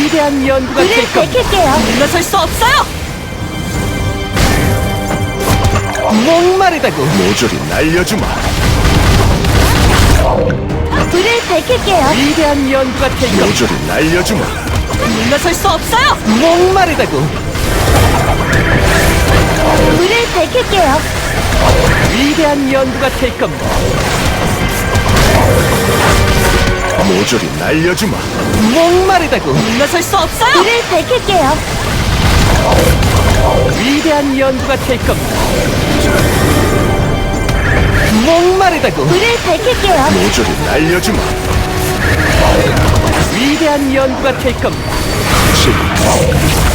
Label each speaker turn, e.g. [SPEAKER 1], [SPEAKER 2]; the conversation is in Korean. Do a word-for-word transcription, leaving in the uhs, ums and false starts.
[SPEAKER 1] 위대한 연구가
[SPEAKER 2] 불을
[SPEAKER 1] 될 겁니다.
[SPEAKER 2] 밝힐게요.
[SPEAKER 1] 물러설 수 없어요. 목마르다고.
[SPEAKER 3] 모조리 날려주마.
[SPEAKER 2] 불을 밝힐게요.
[SPEAKER 1] 위대한 연구가 될 겁니다.
[SPEAKER 3] 모조리 날려주마.
[SPEAKER 1] 물러설 수 없어요. 목마르다고.
[SPEAKER 2] 불을 밝힐게요.
[SPEAKER 1] 위대한 연구가 될 겁니다.
[SPEAKER 3] 모조리 날려주마.
[SPEAKER 1] 목마르다고. 물러설 수 없어요.
[SPEAKER 2] 불을 밝힐게요.
[SPEAKER 1] 위대한 연구가 될 겁니다. 목마르다고.
[SPEAKER 2] 불을 밝힐게요.
[SPEAKER 3] 모조리 날려주마.
[SPEAKER 1] 위대한 연구가 될 겁니다.
[SPEAKER 3] 칠,